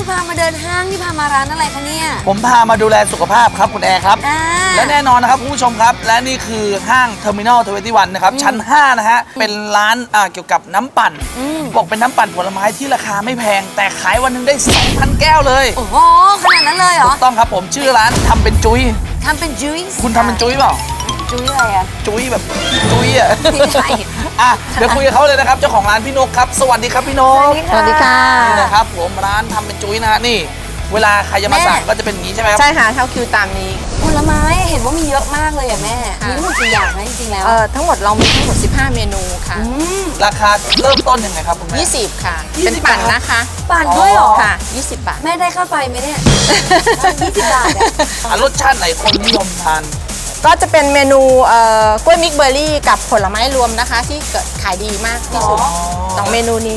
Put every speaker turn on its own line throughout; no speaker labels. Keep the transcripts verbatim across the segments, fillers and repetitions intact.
คุณพามาเดินห้างนี่พามาร้านอะไรคะเนี่ย
ผมพามาดูแลสุขภาพครับคุณแอร์ครับและแน่นอนนะครับคุณผู้ชมครับและนี่คือห้างเทอร์มินอลทเวนตี้วันนะครับชั้นห้านะฮะเป็นร้านเกี่ยวกับน้ำปั่นบอกเป็นน้ำปั่นผลไม้ที่ราคาไม่แพงแต่ขายวันนึงได้ สองพัน แก้วเลย
โอ้โหขนาดนั้นเลยเหรอ
ถูกต้องครับผมชื่อร้านทำเป็นจุ้ย
ทำเป็นจุ้ย
คุณทำเป็นจุ้ยเปล่า
จุ้ยอะไรอะ
จุ้ยแบบจุ้ยอะ
ไม่ใช่
อ่ะเดี๋ยวคุยกับเขาเลยนะครับเจ้าของร้านพี่นกครับสวัสดีครับพี่นก
สวัสดีค่ะ
นี่นะครับผมร้านทำเป็นจุ้ยนะฮะนี่เวลาใครจะมาสั่งก็จะเป็นอย่างนี้ใช่ไหมครับ
ใช่ค่ะเท่าคิวตามนี้
ผลไม้เห็นว่ามีเยอะมากเลยอะแม่มีทั้งหมดกี่อย่างนะจริงๆแล้ว
เออทั้งหมดเรามีทั้งหมดสิบห้าเมนูค่ะ
ราคาเริ่มต้นยังไงครับคุณแม่
ยี่สิบค่ะเป็นปั่นนะคะ
ปั่นด้วยเหรอ
ค่ะยี่สิบบาท
แม่ได้ค่าไฟไหมเนี่ยยี่สิบบาท
อะรสชาติไหนคนนิยมทาน
ก็จะเป็นเมนูกล้วยมิกเบอร์รี่กับผลไม้รวมนะคะที่เกิดขายดีมากที่สุดสองเมนูนี้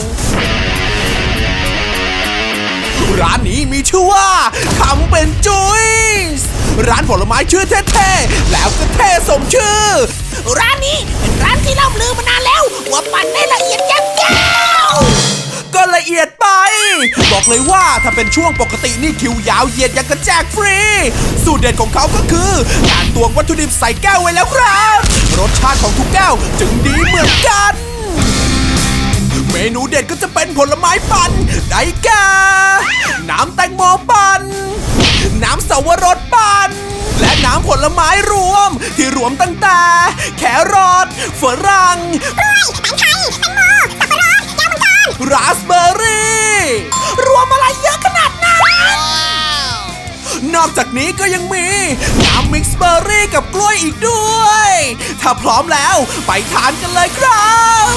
ร้านนี้มีชื่อว่าทำเป็นจุ้ยร้านผลไม้ชื่อเท่ๆแล้วก็เท่สมชื่อร้านนี้เป็นร้านที่ล่ำลือมานานแล้วว่าปั่นได้ละเอียดยาวก็ละเอียดไปบอกเลยว่าถ้าเป็นช่วงปกตินี่คิวยาวเหยียดยังกระแจกฟรีสูตรเด็ดของเขาก็คือการตวงวัตถุดิบใส่แก้วไว้แล้วครับรสชาติของทุกแก้วจึงดีเหมือนกันเมนูเด็ดก็จะเป็นผลไม้ปั่นได้แก่น้ำแตงโมปั่นน้ำสาวรสปั่นและน้ำผลไม้รวมที่รวมตั้งแต่แครอทฝรั่งกล้วยแตงไทยแตงโมสับปะรดแก้วมังกรราสเบอร์รี่รวมอะไรเยอะขนาดนั้นนอกจากนี้ก็ยังมีน้ำมิกซ์เบอร์รี่กับกล้วยอีกด้วยถ้าพร้อมแล้วไปทานกันเลยครับ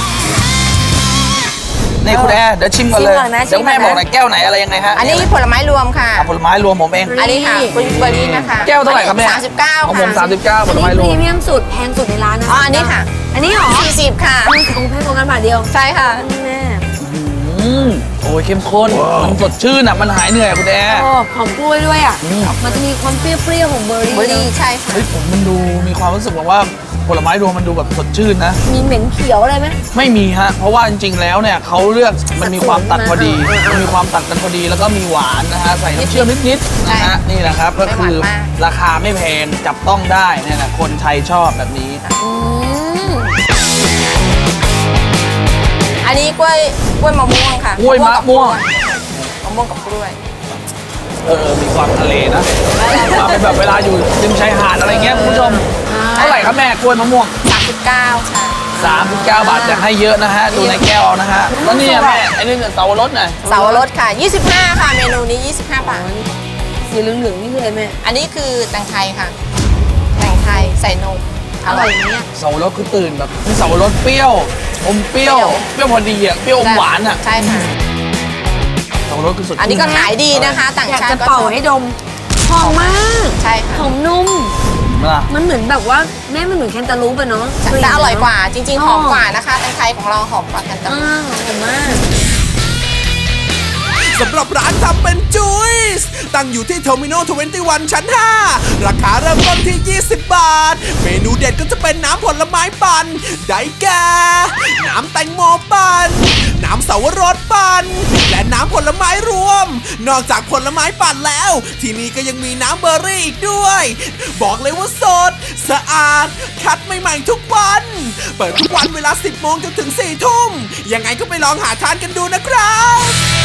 นี่คุณแอร์เดี๋ยวชิมก่อนเลยเดี๋ยวแม่บอกหน่อยแก้วไหนอะไรยังไงฮะ
อันนี้ผลไม้รวมค่ะ
ผลไม้รวมผมเอง
อันนี้ค่ะกล้วยเบอร์รี่นะคะ
แก้วเท่าไหร่ครับแม่
สามสิบเก้า
ของผมสามสิบเก้าผลไม้รวม
พรีเมียมสุดแพงสุดในร้านนะ
อ๋ออันนี้ค่ะ
อันนี้หรอ
สี่สิบค่ะ
องค์แพงกว่ากันบาทเดียว
ใช่ค่ะ
แม่
โอ้ยเข้มข้นมันสดชื่นอ่ะมันหายเหนื่อยคุณแอร์
หอมกล้วยด้วยอ่ะมันจะมีความเปรี้ยวๆของเบอร์รี่
เบอร์รี่ใช่ค่ะ
เฮ้ยผมมันดูมีความรู้สึกว่าผลไม้รวมมันดูแบบสดชื่นนะ
มีเหม็นเขียวอะไรไหม
ไม่มีฮะเพราะว่าจริงๆแล้วเนี่ยเขาเลือกมันมีความตัดพอดีมันมีความตัดกันพอดีแล้วก็มีหวานนะฮะใส่น้ำเชื่อมนิดๆนะฮะนี่แหละครับก็คือราคาไม่แพงจับต้องได้เนี่ยนะคนไทยชอบแบบนี้
อันนี้กล้วยกล้วยมะม่วงค่ะ
กล้วยมะม่วง
มะม่วงกับกล้วย
เออมีความทะเลนะมาเป็นแบบเวลาอยู่ริมชายหาดอะไรเงี้ยคุณผู้ชมเท่าไหร่ครับแม่กล้วยมะม่วง
สามสิบเก้าค่ะ
สามสิบเก้าบาทแต่ให้เยอะนะฮะดูในแก้วนะฮะแล้วนี่แม่ไอ้นี่เสาวรสหน่อย
เสาวรสค่ะยี่สิบห้าค่ะเมนูนี้ยี่สิบห้าบาท
สีเหลืองๆนี่คืออะไรแม่
อันนี้คือแตงไทยค่ะแตงไทยใส่นมอร่อยเนี่ย
เสาวรสคือตื่นแบบมีเสาวรสเปรี้ยวอมเปรี้ยวเปรี้ยวพอดีอ่ะเปรี้ยวอมหวานอ่ะ
ใช่ค่ะ
เสาวรสคือสุด
อันนี้ก็ขายดีนะคะต่างชาติ
ก็เป่าให้ดมหอมมาก
ใช่ค่ะ
หอมนุ่มมันเหมือนแบบว่าแม่มันเหมือนแคนตาลูปอะเนาะ
แต่อร่อยกว่าจริงๆหอมกว่านะคะแตงไทยของเราหอมกว่าแคนตาลูป
หอมมาก
สำหรับร้านทำเป็นจุ้ยตั้งอยู่ที่เทอร์มินอลทเวนตี้วันชั้นห้าราคาเริ่มต้นที่ยี่สิบบาทเมนูเด็ดก็จะเป็นน้ำผลไม้ปั่นได้แก่น้ำแตงโมปั่นน้ำสาวรสปั่นและน้ำผลไม้รวมนอกจากผลไม้ปั่นแล้วที่นี่ก็ยังมีน้ำเบอร์รี่อีกด้วยบอกเลยว่าสดสะอาดคัดใหม่ๆทุกวันเปิดทุกวันเวลาสิบโมงจนถึงสี่ทุ่มยังไงก็ไปลองหาทานกันดูนะครับ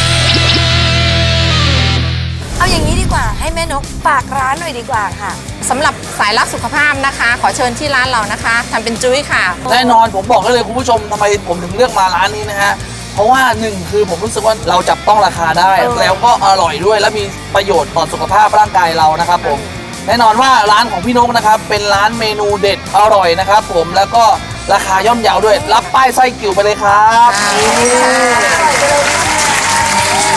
เอาอย่างนี้ดีกว่าให้แม่นกฝากร้านหน่อยดีกว่าค่ะ
สำหรับสายรักสุขภาพนะคะขอเชิญที่ร้านเรานะคะทำเป็นจุ้ยค่ะ
แน่นอนผมบอกได้เลยคุณผู้ชมทำไมผมถึงเลือกมาร้านนี้นะฮะเพราะว่าหนึ่งคือผมรู้สึกว่าเราจับต้องราคาได้แล้วก็อร่อยด้วยและมีประโยชน์ต่อสุขภาพร่างกายเรานะครับผมแน่นอนว่าร้านของพี่นกนะครับเป็นร้านเมนูเด็ดอร่อยนะครับผมแล้วก็ราคาย่อมเยาด้วยรับป้ายไส้กิ่วไปเลยครับ